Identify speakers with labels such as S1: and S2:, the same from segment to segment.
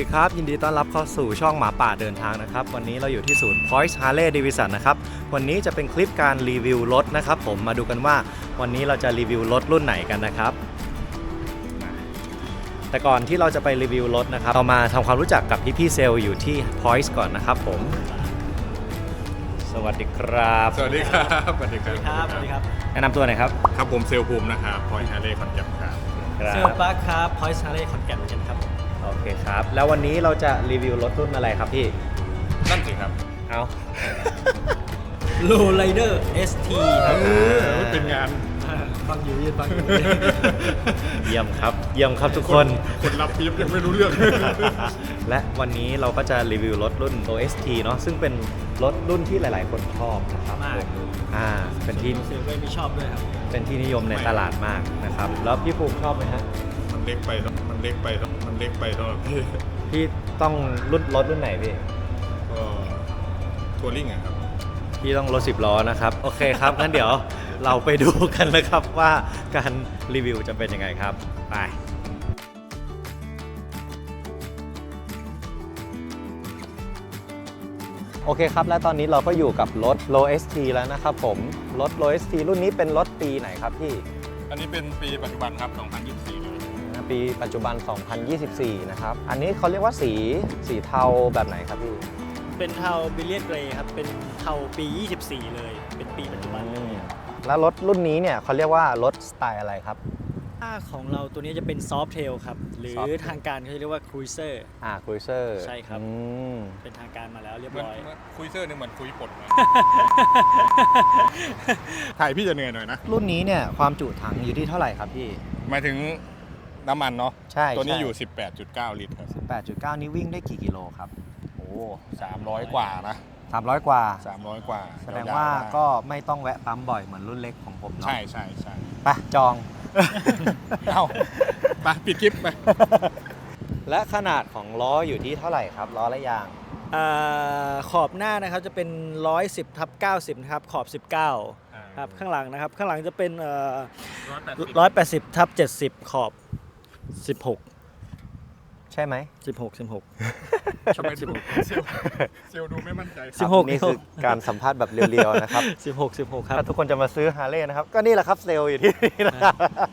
S1: ดีครับยินดีต้อนรับเข้าสู่ช่องหมาป่าเดินทางนะครับวันนี้เราอยู่ที่ศูนย์ Point Harley Davidson นะครับวันนี้จะเป็นคลิปการรีวิวรถนะครับผมมาดูกันว่าวันนี้เราจะรีวิวรถรุ่นไหนกันนะครับแต่ก่อนที่เราจะไปรีวิวรถนะครับเรามาทำความรู้จักกับพี่เซลล์อยู่ที่ Point ก่อนนะครับผมสวัสดีครับ
S2: สวัสดีครับสวัสดีครับ
S3: สวัสดีครับ
S1: แนะนำตัวหน่อยครับ
S2: ครับผมเซลภูมินะครับพอยฮาร์เลย์คอนแกนครับ
S1: ครั
S3: เซล
S1: บ
S3: ปาร์คครับพอยส์ฮาร์เลย์ขอนแก่นเหมือนกันครับ
S1: โอเคครับแล้ววันนี้เราจะรีวิวรถรุ่นอะไรครับพี่
S2: นั่นสิครับ
S1: เอา
S3: โลไ i เดอร์ ST ครับ
S2: เป็นงาน
S3: ฟังอยู่ยืนฟังอยู่
S1: เยี่ยมครับเยี่ยมครับทุกคน
S2: คนรับพีฟยังไม่รู้เรื่อง
S1: และวันนี้เราก็จะรีวิวรถรุ่น OST เนาะซึ่งเป็นรถรุ่นที่หลายๆ คนชอบนะครับ
S3: มาก
S1: ผมเป็นที่
S3: เซลก็ไม่ชอบด้วยครับ
S1: เป็นที่นิยมในตลาดมากนะครับแล้วพี่ภูมิชอบไหมฮะ
S2: มันเล็กไปมันเล็กไปมันเล็กไปสำหรับพี่
S1: พี่ต้องรถรุ่นไหนพี่
S2: ก็ทัวริงอะครับ
S1: พี่ต้องรถ10 ล้อนะครับโอเคครับงั้นเดี๋ยวเราไปดูกันนะครับว่าการรีวิวจะเป็นยังไงครับไปโอเคครับและตอนนี้เราก็อยู่กับรถ Low ST แล้วนะครับผมรถ Low ST รุ่นนี้เป็นรถปีไหนครับพี่
S2: อันนี้เป็นปีปัจจุบันครับ 2024 เลย
S1: ปีปัจจุบัน 2024 นะครับอันนี้เขาเรียกว่าสีเทาแบบไหนครับพี่
S3: เป็นเทาบิลเลียนเกรย์ครับ เป็นเทาปี 24 เลย เป็นปีปัจจุบันเลย
S1: แล้วรถรุ่นนี้เนี่ยเขาเรียกว่ารถสไตล์อะไรครับ
S3: ถ้าของเราตัวนี้จะเป็นซอฟ t เทลครับ หรือ
S1: Soft Tail
S3: ทางการเขาเรียกว่าครูเซอร์
S1: ครูเซอร์
S3: ใช่ครับ เป็นทางการมาแล้วเรียบ
S2: เหมือน
S3: ร้อย
S2: คุยเซอร์นี่เหมือนคุยปดนะถ่ายพี่จะเหนื่อยหน่อยนะ
S1: รุ่นนี้เนี่ยความจุถังอยู่ที่เท่าไหร่ครับพี่
S2: หมายถึงน้ำมันเนาะ
S1: ใช่
S2: ตัวนี้อยู่ 18.9 ลิตรครับ
S1: 18.9 นี้วิ่งได้กี่กิโลครับ
S2: โอ้300 กว่านะ
S1: 300 กว่า
S2: 300 กว่า
S1: แสดงว่าก็ไม่ต้องแวะปั๊มบ่อยเหมือนรุ่นเล็กของผมเนาะ
S2: ใช่
S1: ไปจอง
S2: เอ้าไปปิดคลิปไป
S1: และขนาดของล้ออยู่ที่เท่าไหร่ครับล้อและยาง
S3: ขอบหน้านะครับจะเป็น 110/90 นะครับ ขอบ 19 ครับ ข้างหลังนะครับ ข้างหลังจะเป็น180/70 ขอบ 16
S1: ใช่ไหม
S3: 16
S2: ทำไมเซลดูไม่มั่นใจ
S1: ครับ
S3: 16
S1: นี่คือการสัมภาษณ์แบบเรียวๆนะครับ
S3: 16 ครั
S1: ถ้า
S3: บ
S1: ทุกคนจะมาซื้อฮาร์เลย์นะครับก็นี่แหละครับเซลล์อยู่ที่นี่นะครับ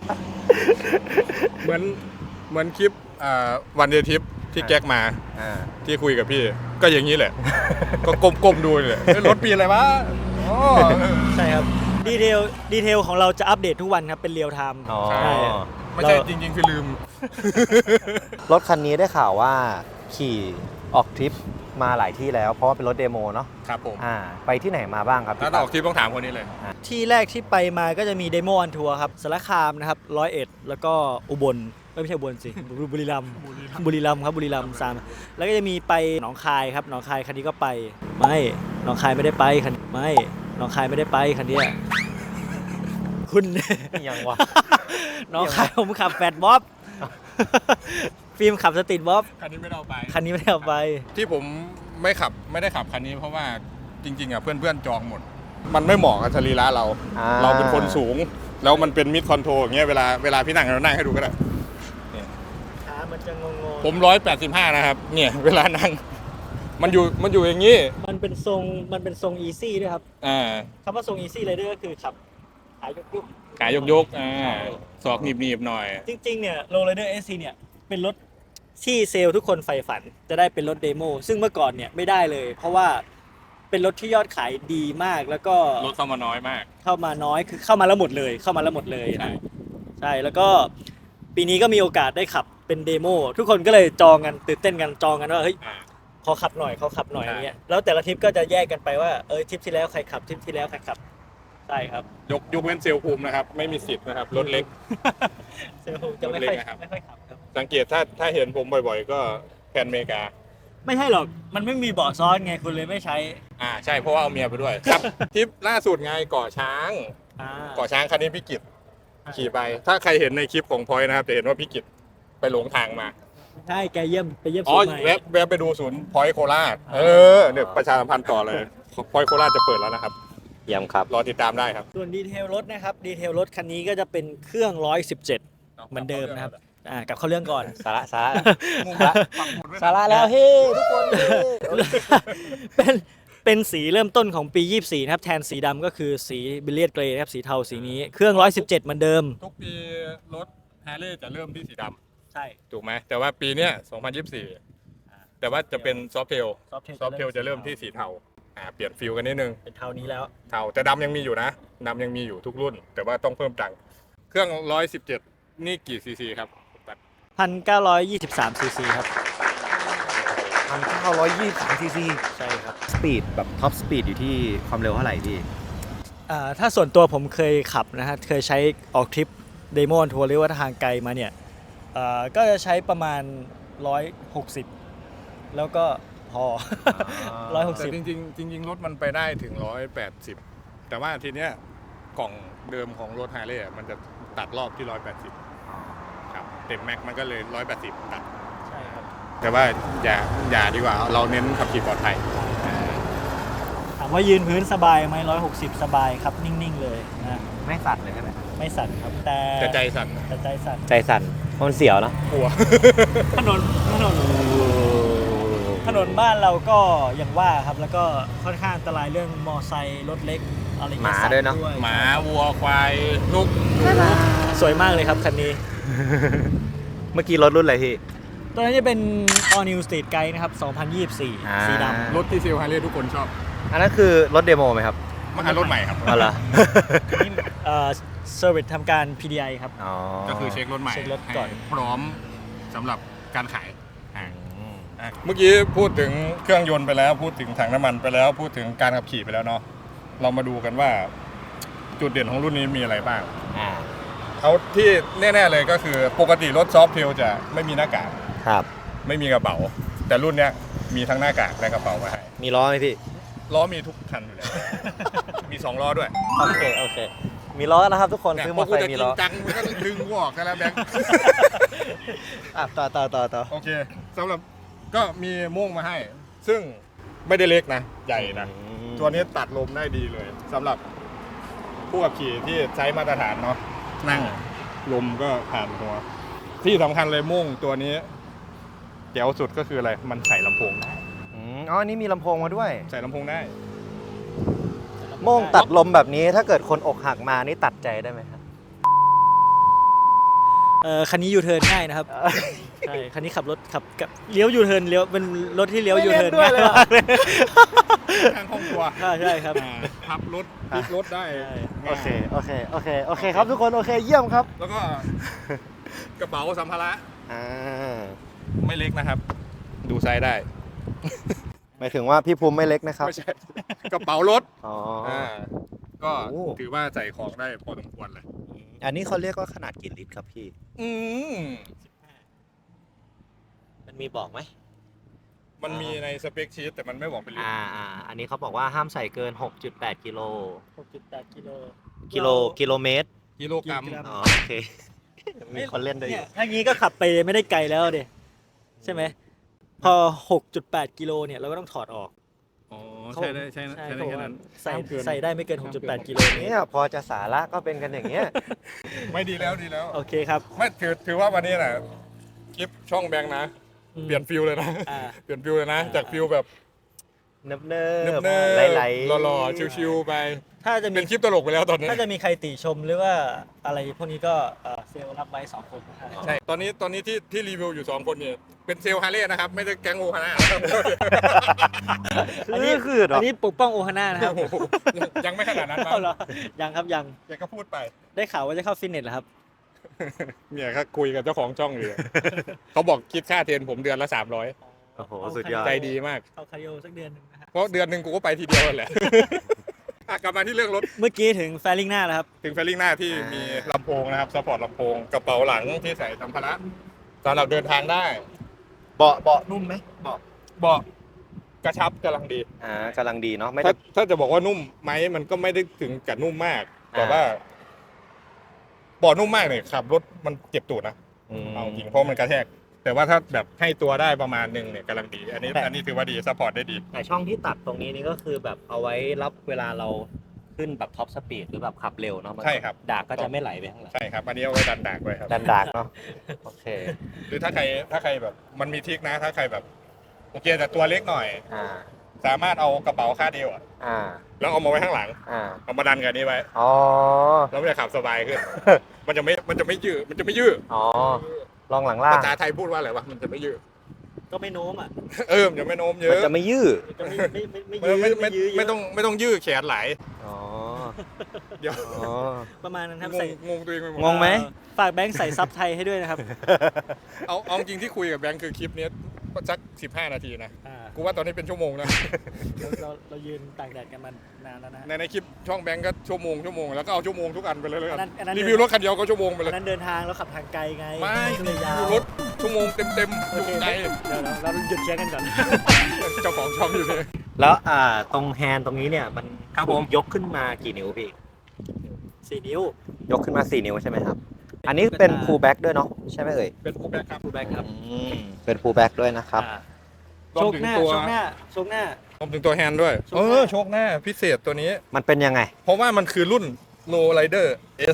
S2: เหมือนคลิปวันเดย์ทิปที่แก๊กมาที่คุยกับพี่ ก็อย่างนี้แหละ ก็ก้มๆดูเลยรถปีอะไรวะอ๋อ
S3: ใช่ครับ ดีเทลของเราจะอัปเดตทุกวันครับ เป็นเรียลไทม์
S1: อ๋อ
S3: ใช่
S2: ไม่ใช่จริงๆคือลืม
S1: รถคันนี้ได้ข่าวว่าขี่ออกทริปมาหลายที่แล้วเพราะว่าเป็นรถเดโมเนาะ
S2: ครับผม
S1: ไปที่ไหนมาบ้างครับ
S2: ถ้าต้องออกทริปต้องถามคนนี้เลย
S3: ที่แรกที่ไปมาก็จะมีเดโมออนทัวร์ครับสารคามนะครับ101แล้วก็อุบลไม่ใช่อุบลสิ บุรีรัมย์ครับบุรีรัมย์3แล้วก็จะมีไปหนองคายครับหนองคายคันนี้ก็ไปไม่หนองคายไม่ได้ไปคันไม่หนองคายไม่ได้ไปคันเนี้ยคุณ
S1: ยังวะ
S3: หนองคายผมขับแฟดบ๊อบ ฟิล์มขับสตรีทบ๊อบ
S2: คันนี้ไม่ได้เอาไป
S3: คันนี้ไม่ได้เอาไป
S2: ที่ผมไม่ได้ขับคันนี้เพราะว่าจริงๆอ่ะเพื่อนๆจองหมด มันไม่เหมาะกับสรีระเรา เราเป็นคนสูง แล้วมันเป็นมิดคอนโทรอย่างเงี้ยเวลาพี่นั่งเรานั่งให้ดูก็ได้
S3: ขามันจะงง
S2: ผม185นะครับเนี่ยเวลานั่งมันอยู่อย่างนี้
S3: มันเป็นทรงอีซี่ด้วยครับ คำว่าทรงอีซี่ไรเดอร์ก็คือขับขายยุก
S2: ขายกศอกหนีบหน่อย
S3: จริงๆเนี่ยโรลเลอร์เอสซีเนี่ยเป็นรถที่เซลล์ทุกคนใฝ่ฝันจะได้เป็นรถเดโมซึ่งเมื่อก่อนเนี่ยไม่ได้เลย เพราะว่าเป็นรถที่ยอดขายดีมากแล้วก็
S2: รถเข้ามาน้อยมาก
S3: เข้ามาน้อยคือเข้ามาแล้วหมดเลยใช่แล้วก็ปีนี้ก็มีโอกาสได้ขับเป็นเดโมทุกคนก็เลยจองกันตื่นเต้นกันจองกันว่าเฮ้ยขอขับหน่อยอย่างเงี้ยแล้วแต่ละทริปก็จะแยกกันไปว่าทริปที่แล้วใครขับทริปที่แล้วใครขับใช่ครับ
S2: ยกเว้นเซลภูมินะครับไม่มีสิทธิ์นะครับรถเล็ก
S3: เซลล์จะไม่ค่อย
S2: รถเล็กนะครับ
S3: ไม่ค่อยขับครับ
S2: สังเกตถ้าเห็นผมบ่อยๆ ก็แพนอเมริกา
S3: ไม่ใช่หรอกมันไม่มีเบาะซ้อนไงคุณเลยไม่ใช้
S2: ใช่เพราะว่าเอาเมียไปด้วยครับทริปล่าสุดไงเกาะช้าง เกาะช้างคันนี้พี่กิตขี่ไป ถ้าใครเห็นในคลิปของพอยนะครับจะเห็นว่าพี่กิตไปหลงทางมา
S3: ใช่แกเยี่ยมไปเยี่ยม
S2: อ๋อ
S3: ศูนย์ใหม่
S2: แวะไปดูศูนย์พอยโคราชเนี่ยประชาสัมพันธ์ต่อเลยพอยโคราชจะเปิดแล้วนะครับ
S1: เยี่ยมครับ
S2: รอติดตามได้ครับ
S3: ส่วนดีเทลรถนะครับดีเทลรถคันนี้ก็จะเป็นเครื่อง117เหมือนเดิมนะครับกลับเข้าเรื่องก่อน
S1: สาระสาระ
S2: ปักหมุดไว้
S1: สาระแล้วเฮ้ทุกคน
S3: เป็นสีเริ่มต้นของปี 24 นะครับ แทนสีดำก็คือสีบิลเลียดเกรย์นะครับ สีเทาสีนี้ เครื่อง 117 เหมือนเดิม
S2: ทุกปีรถฮาร์เลย์จะเริ่มที่สีด
S3: ใช่
S2: ำถูกไหมแต่ว่าปีเนี้ย2024 แต่ว่าจะเป็นซอฟเทล ซอฟเทลจะเริ่มที่สีเทาเปลี่ยนฟิลกันนิดนึง
S3: เป็นเทานี้แล้ว
S2: เทาแต่ดำยังมีอยู่นะดำยังมีอยู่ทุกรุ่น แต่ว่าต้องเพิ่มตังค์เครื่อง 117 นี่กี่ซีซีครับ
S3: 1,923 ซีซีครับ
S1: 1,923 ซีซี
S3: ใช่ครับ
S1: สปีดแบบท็อปสปีดอยู่ที่ความเร็วเท่าไหร่พี่
S3: ถ้าส่วนตัวผมเคยขับนะฮะ เคยใช้ออกทริปเดโมทัวร์หรือว่าทางไกลมาเนี่ย ก็จะใช้ประมาณ 160 แล้วก็พอ
S2: แต่
S3: 160
S2: จริงๆรถมันไปได้ถึง 180 แต่ว่าทีเนี้ยกล่องเดิมของรถฮาร์เลย์มันจะตัดรอบที่ 180 ครับเต็มแม็กมันก็เลย 180 ตัด
S3: ใช่ครับ
S2: แต่ว่าอย่าดีกว่าเราเน้นขับขี่ปลอดภัย
S3: ถามว่ายืนพื้นสบายไหม160 สบายครับ นิ่ง ๆ เลยนะ
S1: ไม่สั่นเลยใช่ไหม
S3: ไม่สั่นครับ แต่
S2: แต่ใจสั่น
S3: แต่ใจสั่น
S1: ใจสั่นเพราะมันเสียวเนาะ
S2: กลัว
S3: ถนนบ้านเราก็อย่างว่าครับ แล้วก็ค่อนข้างอันตรายเรื่องมอไซค์รถเล็กอะไรเงี้
S1: หมาด้วยเนอะ
S2: หมาวัวควายนก
S3: สวยมากเลยครับคันนี้
S1: เมื่อกี้รถรุ่นอะไรพี่
S3: ตัวนี้จะเป็น All New Street Guide นะครับ 2024 สีดำ
S2: รถที่เซลล์ฮาร์เลย์ทุกคนชอบ
S1: อันนั้นคือรถเดโมไหมครับ
S2: มันรถใหม่ครับ
S1: อ๋อเหรอ
S3: นี่เซอร์วิสทำการ PDI ครับ
S1: อ๋อ
S2: ก็คือเช็ครถใหม่
S3: เช็ครถก่อน
S2: ให้พร้อมสำหรับการขายเมื่อกี้พูดถึงเครื่องยนต์ไปแล้ว พูดถึงถังน้ำมันไปแล้ว พูดถึงการขับขี่ไปแล้วเนาะเรามาดูกันว่าจุดเด่นของรุ่นนี้มีอะไรบ้าง
S1: อ่า
S2: เอาที่แน่ๆเลยก็คือปกติรถซอฟเทลจะไม่มีหน้ากาก
S1: ครับ
S2: ไม่มีกระเป๋า แต่รุ่นเนี้ยมีทั้งหน้ากากและกระเป๋ามาให้
S1: มีล้อไหมพี่
S2: ล้อมีทุกคันอยู่แล้ว มี2ล้อด้วย
S1: โอเค มีล้อนะครับทุกคน
S2: เนี่ย
S1: ซื้อ
S2: พ
S1: ม
S2: อ
S1: อเต
S2: กู
S1: อร์ไซ
S2: จะ
S1: ค์มี
S2: จริ
S1: ล้
S2: ง
S1: อ
S2: จังมึงก็ดึงกูออกกันแล้วแบงค์
S1: ต่อ
S2: โอเคสำหรับก็มีม่วงมาให้ ซึ่งไม่ได้เล็กนะ ใหญ่นะ ตัวนี้ตัดลมได้ดีเลยสำหรับผู้ขับขี่ที่ใช้มาตรฐานเนาะนั่งลมก็ผ่านหัวที่สำคัญเลยม่วงตัวนี้เจ๋วสุดก็คืออะไร มันใส่ลำโพงได้
S1: อ๋อ นี่มีลำโพงมาด้วย
S2: ใส่ลำโพงได้
S1: โม่งตัดลมแบบนี้ถ้าเกิดคนอกหักมานี่ตัดใจได้ไหมครับ
S3: คันนี้ยูเทิร์นง่ายนะครับ ใช่ คันนี้ขับกับเลี้ยวยูเทิร์นเลี้ยวเป็นรถที่เลี้ยวยูเทิร์นง่ายมากเลย
S2: ทางห้องครัว
S3: ใช่ครับ
S2: พับรถพลิกรถได้
S3: ใช่
S1: โอเคครับทุกคน โอเค เยี่ยมครับ
S2: แล้วก็กระเป๋าสัมภาระ
S1: อ่า
S2: ไม่เล็กนะครับ ดูไซส์ได้
S1: หมายถึงว่าพี่ภูมิไม่เล็กนะครับ
S2: ไม่ใช่ กระเป๋ารถ
S1: อ๋อ
S2: ก็
S1: โอ้
S2: ถือว่าใส่ของได้พอสมควรเลย
S1: อันนี้เขาเรียกว่าขนาดกี่ลิตรครับพี่
S2: อืม
S1: มันมีบอกไหม
S2: มันมีในสเปคชีตแต่มันไม่บอกเป็นลิตร
S1: อันนี้เขาบอกว่าห้ามใส่เกิน 6.8 กิโล
S3: 6.8
S1: กิโลเมตร
S2: กิโลกรัม
S1: อ๋อ โอเค มีคนเล่นด้วยอ
S3: เนี่
S1: ยู่
S3: ยถ้างี้ก็ขับไปไม่ได้ไกลแล้วเดใช่ไหม พอ 6.8 กิโลเนี่ยเราก็ต้องถอดออก
S2: อ๋อ ใช่ได้แค่นั้น
S3: ใส่ได้ไม่เกิน 6.8 กิโลเมต
S1: เนี่ย
S3: ร
S1: พอจะสาระก็เป็นกันอย่างเงี้ย
S2: ไม่ดีแล้วดีแล้ว
S3: โอเคครับ
S2: ไม่ถือว่าวันนี้น่ะคลิปช่องแบงค์นะ
S3: อืม
S2: เปลี่ยนฟิลเลยนะ
S3: อ่า
S2: เปลี่ยนฟิลเลยนะ จากฟิลแบบ
S1: เนิบ
S2: เนิบ
S1: ไหลๆ
S2: หล่อๆชิวๆไป
S3: ถ้าจะมี
S2: เป็นคลิปตลกไปแล้วตอนนี้
S3: ถ้าจะมีใครติชมหรือว่าอะไรพวกนี้ก็เซลล์รับไว้2 คนนะครับ
S2: ใช่ ตอนนี้ที่รีวิวอยู่2คนเนี่ยเป็นเซลล์ฮาร์เลย์นะครับ ไม่ได้แก๊งโอฮาน่า
S3: อันนี้
S1: คือเหรอ
S3: อันนี้ปกป้องโอฮาน่านะครับ
S2: ยังไม่ขนาดนั้นมั้
S3: เอาเหรอยังครับยัง
S2: ยังก็พูดไป
S3: ได้ข่าวว่าจะเข้าฟิตเนสเหรอครับ
S2: เนี่ยครับคุยกับเจ้าของช่องอยู่ เขาบอกคิดค่าเทรนผมเดือนละ300
S1: โอ้โห สุดยอด
S2: ใจดีมาก
S3: เข้าคาร์ดิโอสักเดือนหนึงนะฮะ
S2: เพราะเดือนหนึ่งกูก็ไปทีเดียวนั่นแหละ กลับมาที่เรื่องรถ
S3: เมื่อกี้ถึงแฟลิงหน้าแล้วครับ
S2: ถึงเฟลลิ่งหน้าที่มีลำโพงนะครับซัพพอร์ตลำโพงกระเป๋าหลังที่ใส่สัมภาระสำหรับเดินทางได้
S1: เบาะนุ่มไหมเบาะ
S2: เบาะกระชับกำลังดี
S1: กำลังดีเนาะ ไม่
S2: ถ้า
S1: ได้
S2: ถ้าจะบอกว่านุ่มไหมมันก็ไม่ได้ถึงกับนุ่มมาก แต่ว่าเบาะนุ่มมากเนี่ยขับรถมันเจ็บตูดนะเอาจริงเพราะมันกระแทก แต่ว่าถ้าแบบให้ตัวได้ประมาณหนึ่งเนี่ยกำลังดี อันนี้ถือว่าดีซัพพอร์ตได้ดี
S1: แต่ช่องที่ตัดตรงนี้นี่ก็คือแบบเอาไว้รับเวลาเราขึ้นแบบท็อปสปีดหรือแบบขับเร็วเนาะมัน
S2: ใช่ครับ
S1: ดากก็จะไม่ไหลไปข้างหลัง
S2: ใช่ครับ อันนี้เอาไว้ดันดากไว้ครับ
S1: ดันดากเนาะโอเค
S2: หรือถ้าใครแบบมันมีทริคนะถ้าใครแบบโอเคแต่ตัวเล็กหน่อย
S1: อ่า
S2: สามารถเอากระเป๋าคาดเอวอะ
S1: อ่า
S2: แล้วเอามาไว้ข้างหลัง
S1: อ่า
S2: เอามาดันกันนี้ไว้
S1: อ๋อ
S2: แล้วมันจะขับสบายขึ้น มันจะไม่ยืดมันจะไม่ยืด
S1: อ๋อลองหลังล่าง
S2: ภาษาไทยพูดว่าอะไรวะมันจะไม่ยืด
S3: ก็ไม่โน้มอ่ะ
S2: มันจะไม่โน้มเย
S1: มัน
S2: อะ
S1: จะไม่ยืด
S3: มันจะไม่ยื้อเยอะ
S2: ไม่ต้องยืดแขนไหล
S1: อ๋อ
S2: เดี๋ยว
S1: อ๋อ
S3: ประมาณนั้นครับ
S2: ง
S3: ใส่
S2: งตัวเองไปหมด
S1: งงไหม
S3: ฝากแบงค์ใส่ซับไทยให้ด้วยนะครับ
S2: เอาจริงที่คุยกับแบงค์คือคลิปนี้สัก15 นาทีนะ
S3: อ่า
S2: กูว่าตอนนี้เป็นชั่วโมงนะ
S3: เรายืนตากแดดกันมานานแล้วนะ
S2: ในคลิปช่องแบงค์ก็ชั่วโมงแล้วก็เอาชั่วโมงทุกอันไปเลยแล้วกัน
S3: อันนั้น
S2: รีวิวรถคันเดียวก็ชั่วโมงไปเล
S3: อั
S2: ย
S3: นนั้นเดินทางแล้วขับทางไกลไง
S2: ไม่
S3: ก็เลยยาว
S2: รีวิวรถชั่วโมงเต็มๆอ
S3: โอยู่ เค
S2: ไกล
S3: เดี๋ยวเราหยุดเชียร์กันก่อน
S2: เจ้าของช่องอยู่เลย
S1: แล้วตรงแฮนด์ตรงนี้เนี่ยมัน
S2: ครับผม
S1: ยกขึ้นมากี่นิ้วพี่
S3: 4 นิ้วย
S1: กขึ้นมา 4 นิ้วใช่ไหมครับ อันนี้เป็น pull back ด้วยเนาะใช่ไหมเอ่ย
S2: เป็นผู้แบ็คครับ
S3: แบงค์ครับ
S1: เป็น pull back ด้วยนะครับ
S3: อ่า
S2: รว
S3: โช
S2: ม
S3: ค
S2: ถึง
S3: หน้า
S2: ตัว
S3: โชคหน้าโชคหน้า
S2: รวมถึงตัวแฮนด์ด้วย
S3: โชคหน้า
S2: โชคหน้าพิเศษตัวนี้
S1: มันเป็นยังไง
S2: เพราะว่ามันคือรุ่น No Rider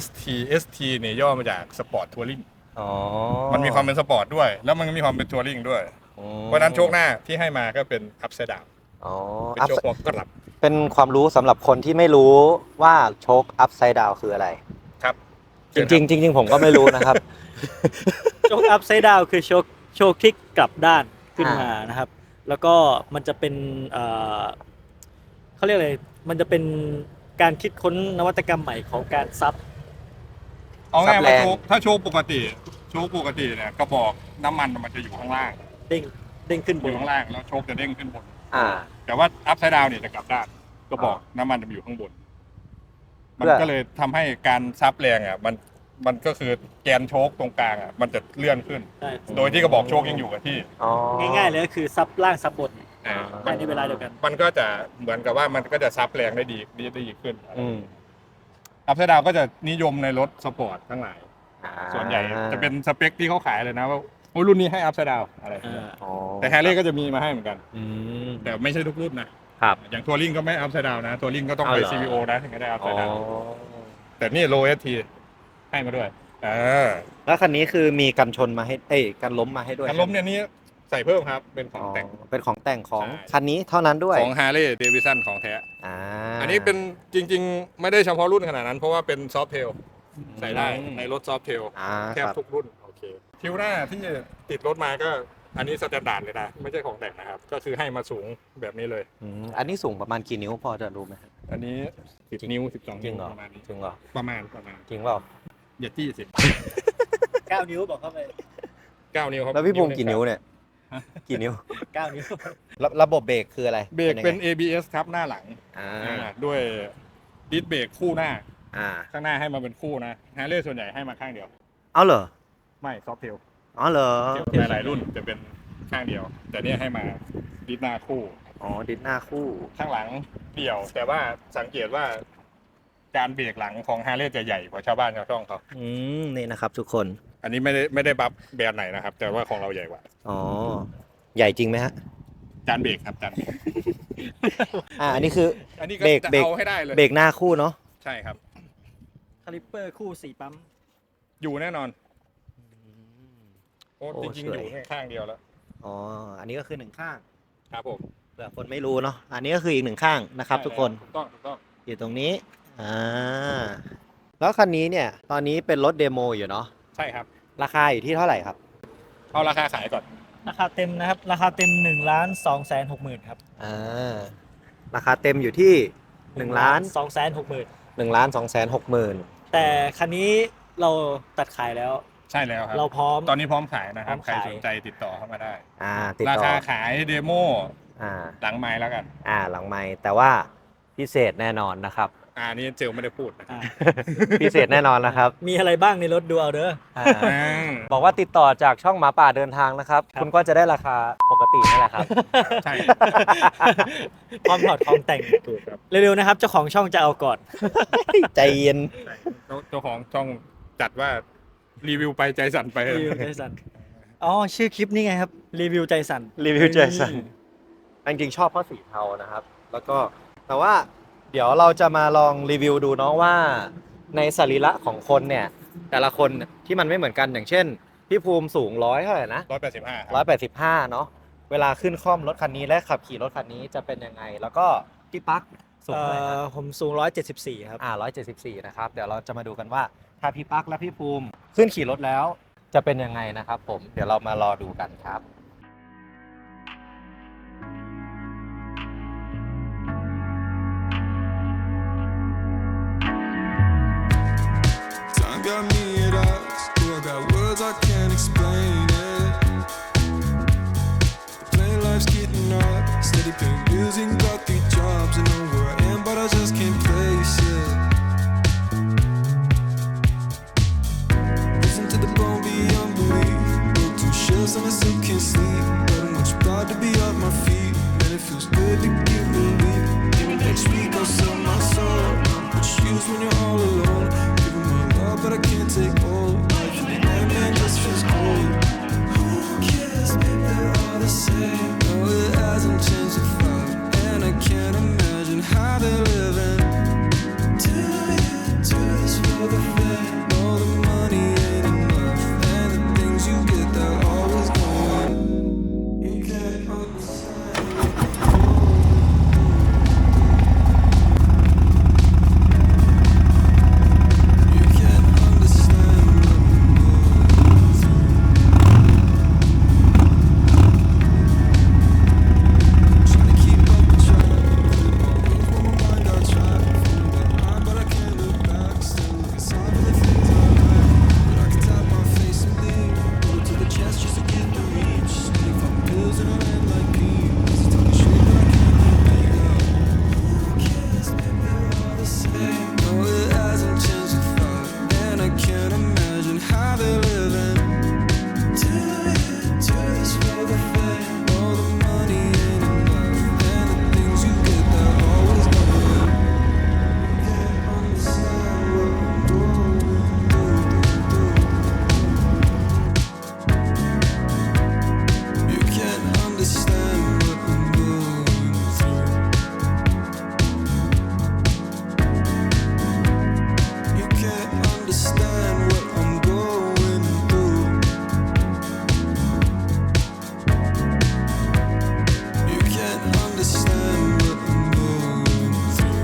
S2: ST เนี่ยย่อมาจากสปอร์ตทัวริง
S1: อ๋อ
S2: มันมีความเป็นสปอร์ตด้วย แล้วมันก็มีความเป็นทัวริงด้วย เพราะฉะนั้นโชคหน้าที่ให้มาก็เป็นอัพไซด์ดาว
S1: อ๋อ
S2: เป็นโชคหัวกลับ
S1: เป็นความรู้สำหรับคนที่ไม่รู้ว่าโชค upside down คืออะไร
S2: ครับ
S1: จริงๆผมก็ไม่รู้นะครับ
S3: โชคอัพไซด์ดาวคือโชคคลิกกลับด้านขึ้นมานะครับ แล้วก็มันจะเป็นเขาเรียกอะไรมันจะเป็นการคิดค้นนวัตกรรมใหม่ของการซับ
S2: เอาง่าย
S1: ซับแร
S2: ว่าง ถ้าโชคปกติเนี่ยกระบอกน้ำมันมันจะอยู่ข้างล่าง
S3: เด้งขึ้นบ
S2: อน ยู่ข้างล่างแล้วโชคจะเด้งขึ้นบน
S1: อ่า
S2: แต่ว่าอัพไซด์ดาวเนี่ยจะกลับด้านกระบอกน้ำมันจะอยู่ข้างบน มัน
S1: เพื่อ
S2: ก็เลยทำให้การซับแรงอ่ะมันก็คือแกนโชคตรงกลางอ่ะมันจะเลื่อนขึ้น
S3: ใช่
S2: โดยที่กระบอกโชคยังอยู่กับที่
S1: อ๋อ
S3: ง่ายๆเลยก็คือซับล่างซับบน
S2: อ่า
S3: ภายในเวลาเดียวกัน
S2: มันก็จะเหมือนกับว่ามันก็จะซับแรงได้ดีขึ้น
S1: อืม
S2: อัพไซด์ดาวก็จะนิยมในรถสปอร์ตทั้งหลาย
S1: อ่า
S2: ส่วนใหญ่จะเป็นสเปคที่เขาขายเลยนะว่าโอ้ยรุ่นนี้ให้อัพไซด์ดาวอะไรอย่างเงี้ย
S1: อ๋อ
S2: แต่แฮร์รี่ก็จะมีมาให้เหมือนกัน
S1: อืม
S2: แต่ไม่ใช่ทุกรุ่นนะครับ อย่างทัวริงก็ไม่อัพไซด์ดาวนะทัวริงก็ต้องไป
S1: เอาเหรอ
S2: CVO นะถึงจะได้อัพไซ
S1: อ๋อ
S2: ด์ดาวแต่นี่โล ST ให้มาด้วย
S1: แล้วคันนี้คือมีกันชนมาให้กันล้มมาให้ด้วย
S2: การล้มเนี่ยนี่ใส่เพิ่มครับเป็นของแต่ง
S1: เป็นของแต่งของ
S2: ใช่
S1: คันนี้เท่านั้นด้วย
S2: ของ Harley Davidson ของแท้
S1: อ่า
S2: อันนี้เป็นจริงๆ ไม่ได้เฉพาะรุ่นขนาดนั้น เพราะว่าเป็นซอฟต์เทลใส่ได้ในรถซอฟต์เทล
S1: อ่า
S2: แทบ
S1: ครับ
S2: ทุกรุ่นโอเคทิวหน้าที่ติดรถมาก็อันนี้สแตนดาร์ดเลยนะ ไม่ใช่ของแต่งนะครับ ก็คือให้มาสูงแบบนี้เลย
S1: อันนี้สูงประมาณกี่นิ้วพอจะรู้ไหมครับ
S2: อันนี้10 นิ้ว 12
S1: จริ
S2: นิ้
S1: ง
S2: ว
S1: เหรอ
S2: ประมาณนี้
S1: จริงเหรอ
S2: ประมาณ
S1: จริงเปล่า
S2: อย่าจี้สิ
S3: 9 นิ้วบอกเข้าไป
S2: 9 นิ้วครับ
S1: แล้วพี่ภูมิกี่นิ้วเนี่ย กี่นิ้ว
S3: 9 นิ้ว
S1: ระบบเบรกคืออะไร
S2: เบรกเป็น
S1: ยังไง
S2: ABS ครับหน้าหลัง
S1: อ่า
S2: ด้วยดิสเบรกคู่หน้า
S1: อ่า
S2: ข้างหน้าให้มาเป็นคู่นะฮาร์เลย์ส่วนใหญ่ให้มาข้างเดียว
S1: เอาเหรอ
S2: ไม่ซอฟต์เทล
S1: อ๋อเหรอ
S2: หลายๆรุ่นจะเป็นข้างเดียว แต่เนี่ยให้มาดิสหน้าคู่
S1: อ๋อดิสหน้าคู่
S2: ข้างหลังเดี่ยว แต่ว่าสังเกตว่าการเบรกหลังของฮาร์เลย์จะใหญ่กว่าชาวบ้านชาวช่องเขา
S1: นี่นะครับทุกคน
S2: อันนี้ไม่ได้บัฟแบรนด์ไหนนะครับ แต่ว่าของเราใหญ่กว่า
S1: อ๋อ ใหญ่จริงไหมฮะ
S2: จานเบรกครับจานเบรก
S1: อันนี้คือ
S2: อันนี้ก็
S1: เบรก
S2: จะ
S1: เบรก
S2: เอาให้ได้เลย
S1: เบรกหน้าคู่เนาะ
S2: ใช่ครับ
S3: คาลิปเปอร์คู่4ปั๊ม
S2: อยู่แน่นอนโอ้
S1: โอ้
S2: จริง
S1: ส
S2: ๆ
S1: วย
S2: อยู่ข้างเดียวแล้ว
S1: อ๋อ อันนี้ก็คือหนึ่งข้าง
S2: ครับผม
S1: เผื่อคนไม่รู้เนาะ อันนี้ก็คืออีกหนึ่งข้างนะครับ ทุกคน
S2: ถูกต้อง
S1: อยู่ตรงนี้ แล้วคันนี้เนี่ย ตอนนี้เป็นรถเดโมอยู่เนาะ
S2: ใช่ครับ
S1: ราคาอยู่ที่เท่าไหร่ครับ
S2: เอาราคาขายก่อน
S3: ราคาเต็มนะครับ ราคาเต็ม1,260,000ครับ
S1: ราคาเต็มอยู่ที่1 ล้าน
S3: 260,000
S1: 1 ล้าน2 6 0 0 0 0
S3: แต่คันนี้เราตัดขายแล้ว
S2: ใช่แล้วครับ
S3: เราพร้อม
S2: ตอนนี้พร้อมขายนะครับ
S3: พร้
S2: ใคร
S3: อมขาย
S2: สนใจติดต่อเข้ามาได้
S1: ติด
S2: รา
S1: ต่อ
S2: คาขายเดโม
S1: อ่า
S2: หลังไม้แล้วกัน
S1: หลังไมค์แต่ว่าพิเศษแน่นอนนะครับ
S2: นี่เจลไม่ได้พูดนะ
S3: อ่า
S1: พิเศษแน่นอนนะครับ
S3: มีอะไรบ้างในรถดูเอาเด้อ
S1: บอกว่าติดต่อจากช่องหมาป่าเดินทางนะครับ
S3: ครับ
S1: คุณก็จะได้ราคาปกตินั่นแหละครับ
S2: ใช่
S3: ความถอดของแต่ง
S2: ถูกครับ
S3: เร็วๆนะครับเจ้าของช่องจะเอาก่อน
S1: ใจเย็น
S2: เจ้าของช่องจัดว่ารีวิวไปใจสั่นไป
S3: รีวิวใจสั่นอ๋อชื่อคลิปนี้ไงครับรีวิวใจสั่น
S1: รีวิวใจสั่นจริงๆชอบเพราะสีเทานะครับ แล้วก็แต่ว่าเดี๋ยวเราจะมาลองรีวิวดูเนาะว่าในสรีระของคนเนี่ยแต่ละคนที่มันไม่เหมือนกันอย่างเช่นพี่ภูมิสูง100เท่าไหร่นะ
S2: 185
S1: 185เนาะเวลาขึ้นคล่อมรถคันนี้และขับขี่รถคันนี้จะเป็นยังไง แล้วก็พี่ปั๊กสูงเท่าไหร่นะ
S3: ผมสูง174ครับ
S1: 174นะครับเดี๋ยวเราจะมาดูกันว่าถ้าพี่ปั๊กและพี่ภูมิขึ้นขี่รถแล้วจะเป็นยังไงนะครับผมเดี๋ยวเรามารอดูกันครับ
S4: Time got me at odds. Oh, I got words I can't explain it. The plain life's getting hard. Steady paying bills and got 3 jobs. I know where I am, but I just can't place it. Listen to the bone beyond belief. Broke 2 shells and I still can't sleep. Got too much pride to be off my feet. Man, it feels good to give relief. Maybe next week I'll sell my soul. Which use when you're all alone. Giving my love, but I can't take all. Life in the end, man, just feels cold. Who cares, babe, they're all the same. No, it hasn't changed a thought. And I can't imagine how they're living. Do this for the fame. No, the money ain't enough. And the things you get, they're always going. You can't understand. You can't understand what I'm going through. Trying to keep up with track. From my mind I try. Feeling behind, but I can't look back. Still looking sorry for the things I like. But I can tap my face and leave. Put it to the chest just to get the reach. Just many fucking pills in her hand like peas. Talking shit, but I can't make up. Who cares, babe, they're all the same. No, it hasn't changed a thought. And I can't imagine how they're living. Do this for the fame. No, the money ain't enough. And the things you get, they're always going. You can't understand what I'm going through. You can't understand what I'm going through. You can't understand what I'm going through. You can't understand what I'm going through.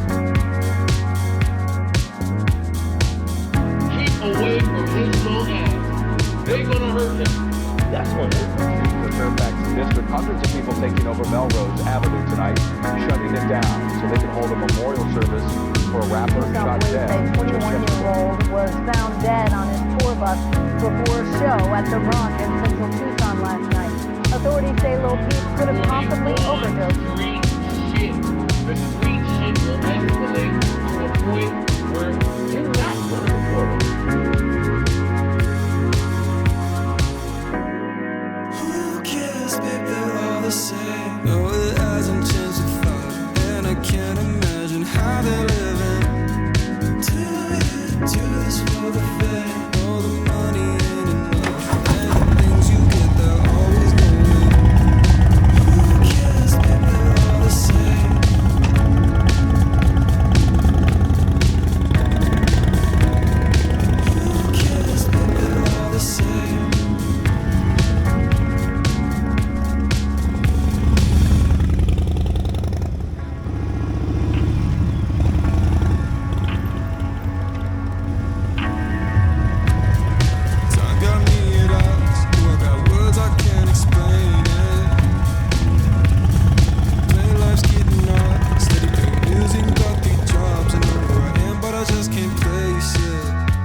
S5: Keep away from his little ass. They're gonna hurt him.
S6: That's what the Fairfax District. Hundreds of people taking over Melrose Avenue tonight, shutting it down so they can hold a memorial service for a rapper shot
S7: Police
S6: dead.
S7: say 21-year-old was found dead on his tour bus before a show at the Rock in central Tucson last night. Authorities say Lil Peep could have possibly overdosed.
S5: Street shit. The street shit will escalate to a point where you're not gonna report him.
S4: Who cares, babe, they're all the same. No, it hasn't changed a thought. And I can't imagine how they're living. Do this for the fame. No, the money ain't enough. And the things you get, they're always going. Who cares, babe, they're all the same. Who cares, babe, they're all the same. Time got me at odds. Oh, I got words I can't explain it. Plain life's getting hard. Steady paying bills and got 3 jobs. I know where I am, but I just can't place it.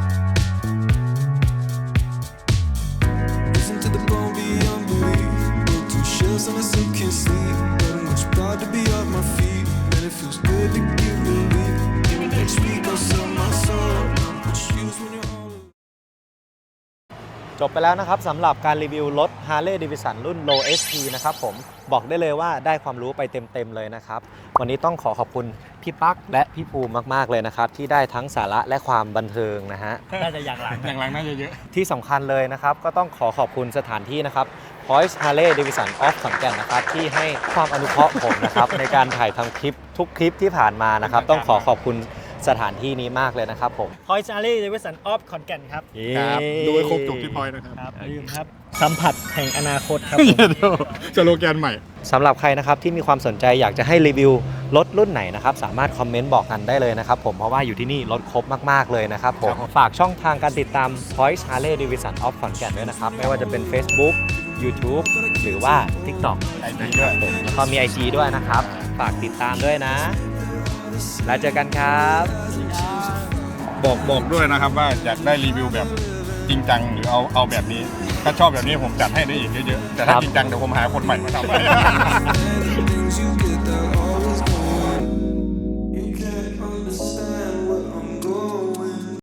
S4: Listen to the bone beyond belief. Broke 2 shells and I still can't sleep. Got too much pride to be off my feet. Man, it feels good to give relief. Maybe next week I'll sell my soul. What you use when you're all alone.
S1: จบไปแล้วนะครับสำหรับการรีวิวรถ Harley Davidson รุ่น Low SP นะครับผมบอกได้เลยว่าได้ความรู้ไปเต็มๆเลยนะครับวันนี้ต้องขอบคุณพี่ปั๊กและพี่ภูมิมากๆเลยนะครับที่ได้ทั้งสาระและความบันเทิงนะฮะ
S3: น่าจะอย่างหลัง
S2: อย่างหลังน่าจะเยอะ
S1: ที่สำคัญเลยนะครับก็ต้องขอบคุณสถานที่นะครับ Voice Harley Davidson of ขอนแก่นนะครับที่ให้ความอนุเคราะห์ผมนะครับ ในการถ่ายทำคลิปทุกคลิปที่ผ่านมานะครับ ต้องขอขอบคุณสถานที่นี้มากเลยนะครับผม
S3: พอยซ์อารีเดวิสันออฟขอนแก่นครับ
S2: ครับดูให้ครบจบที่พอยนะครับ
S3: ครับอย่าลืมครับ สัมผัสแห่งอนาคตครับผม
S2: สโลแกนใหม่
S1: สำหรับใครนะครับที่มีความสนใจอยากจะให้รีวิวรถรุ่นไหนนะครับสามารถคอมเมนต์บอกกันได้เลยนะครับผมเพราะว่าอยู่ที่นี่รถครบมากๆเลยนะครับผมฝากช่องทางการติดตาม Voice Harley Davidson of ขอนแก่นด้วยนะครับไม่ว่าจะเป็น Facebook YouTube หรือว่า TikTok
S2: IG ด้วย
S1: ผมแล้วก็มี IG ด้วยนะครับฝากติดตามด้วยนะ แล้วเจอกันครับ
S2: บอกด้วยนะครับว่าอยากได้รีวิวแบบจริงจังหรือเอาแบบนี้ ถ้าชอบแบบนี้ผมจัดให้ได้อีกเยอะๆแต่ถ้าจริงจังเดี๋ยวผมหาคนใหม่มาทำให้